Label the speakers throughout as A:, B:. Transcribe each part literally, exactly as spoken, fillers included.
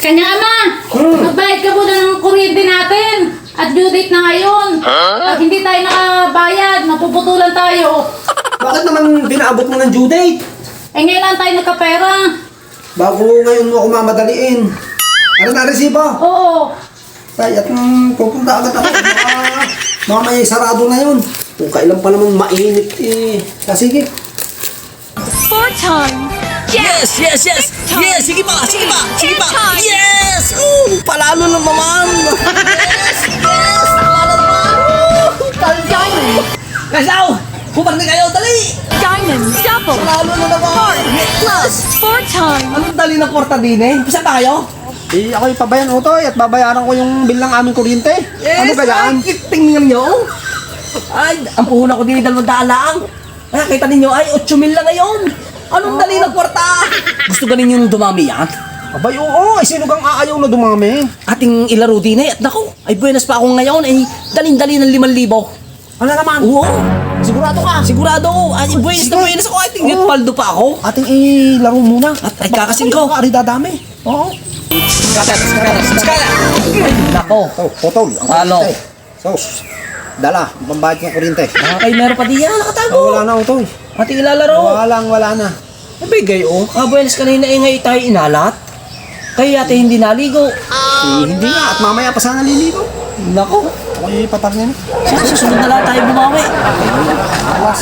A: Kanya ama,
B: Hmm.
A: magbayad ka muna ng kuryente natin. At due date na ngayon. Pag hindi tayo nakabayad, mapuputulan tayo.
B: Bakit naman pinaabot mo ng due date?
A: Eh ngayon lang tayo nagkapera.
B: Bago ngayon mo ako mamadaliin. Ano na resibo?
A: Oo.
B: Ay, at mm, pupunta agad ako. Baka mamaya sarado na yun. Kung kailan pa naman mainit eh. Ah, sige.
C: Four times.
D: Yes, yes, yes! Yes! Sige pa! Sige pa! Sige pa!
C: Time.
D: Yes! Oh, palalo na naman! Yes! Yes! Palalo na naman! Oh,
C: Diamond.
D: Kasaw! Pumak na kayo! Dali!
C: Diamond. Double.
D: Palalo na naman!
C: Plus. Four times.
D: Anong dali ng kwarta din eh? Pisa ba kayo?
B: Eh, ako'y pabayan utoy at babayaran ko yung bill ng aming kuryente. Ano ba yan?
D: Ay, tingnan nyo! Ay, ang puhunan ko din ay dalawang daan lang. Ay, kita ninyo ay eight mil lang ngayon. Anong dali ng kwarta? Gusto ganin yung dumami yan?
B: Abay, oo. Ay, sino kang aayaw na dumami?
D: Ating ilaro din eh. At naku, ay buenas pa ako ngayon. Ay, daling-dali ng limang libo.
B: Ano naman?
D: Oo.
B: Sigurado ka?
D: Sigurado. Ay, buenas na buenas ako. Ay, tingnan,
B: Oo.
D: paldo pa ako.
B: Ating ilaro muna.
D: At ay, kakasin ko.
B: Ari dadami. Oo.
D: Skala, skala, skala. Ay, nako.
B: Oh, potol. Ang
D: Talo.
B: kuryente. Sos. Dala, pambayad ng kuryente.
D: Ah, kay meron pa di yan. Nakatago.
B: Oh, wala na utoy.
D: Ating ilalaro.
B: Wala wala na.
D: Nabigay oh. Kabuenas kanina eh ngayon tayo inalat. Kaya yata hindi naligo.
B: Eh, hindi nga. At mamaya pa sana liligo.
D: Nako.
B: Ako'y patar niya.
D: Sa susunod na lang tayo bumawi.
B: Alas.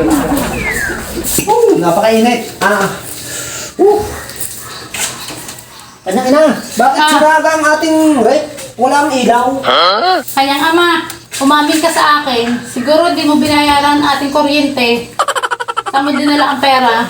B: Oh, napakainit. Ah. Uh. Kanya ina. Bakit
A: Ah.
B: siraga ang ating rep? Walang ilaw.
A: Kanyang ama, umamin ka sa akin. Siguro di mo binayaran ang ating kuryente. Saan mo dinala ang pera?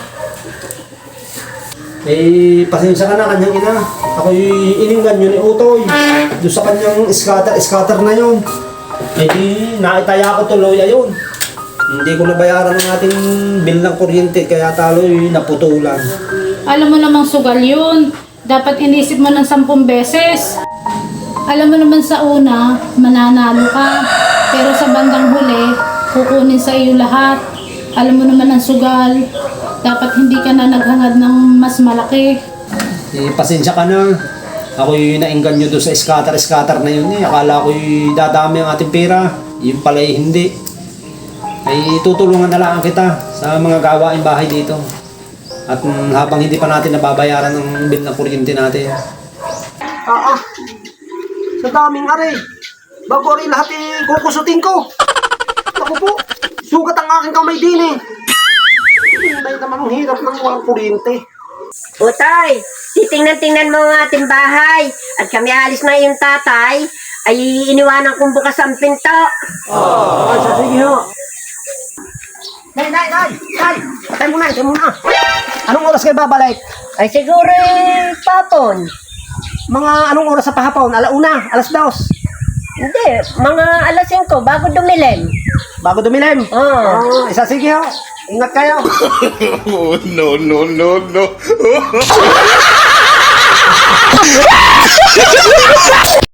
B: Eh, pasensya ka na kanyang ina. Ako'y ininggan yun ni Utoy. Doon sa kanyang scatter-scatter na yun. Eh di, naitaya ko tuloy ayun. Hindi ko nabayaran ang ating bill ng kuryente kaya talo'y naputulan.
A: Alam mo namang sugal yun. Dapat inisip mo ng sampung beses. Alam mo naman sa una, mananalo ka. Pero sa bandang huli, kukunin sa iyo lahat. Alam mo naman ang sugal. Dapat hindi ka na naghangad ng mas malaki.
B: Eh, pasensya ka na. Ako'y nainggan nyo doon sa scatter-scatter na yun eh. Akala ko'y dadami ang ating pera. Yun pala eh, hindi. Ay tutulungan na lang kita sa mga gawain bahay dito. At mm, habang hindi pa natin nababayaran ng bill ng kuryente natin. Ah, ah. Sa daming are. Bago rin lahat eh, kukusutin ko. Ako po, sugat ang aking kamay din eh. Hindi naman ang hirap ng walang kuryente.
E: Utay, titingnan-tingnan mo ang ating bahay. At kami alis na yung tatay, ay iniwanan kong bukas ang pinto.
B: Ay, sa sige ho. Nay, nay, nay, nay. Tay muna, tay muna. Anong oras kayo babalik?
E: Ay siguro eh, papon.
B: Mga anong oras sa pahapon? Alauna, alas dos.
E: Hindi, mga alas singko bago dumilim.
B: Bago dumilim.
E: Oo.
B: Oh, isa sige ho. Ingat kayo.
F: Oh, no, no, no, no.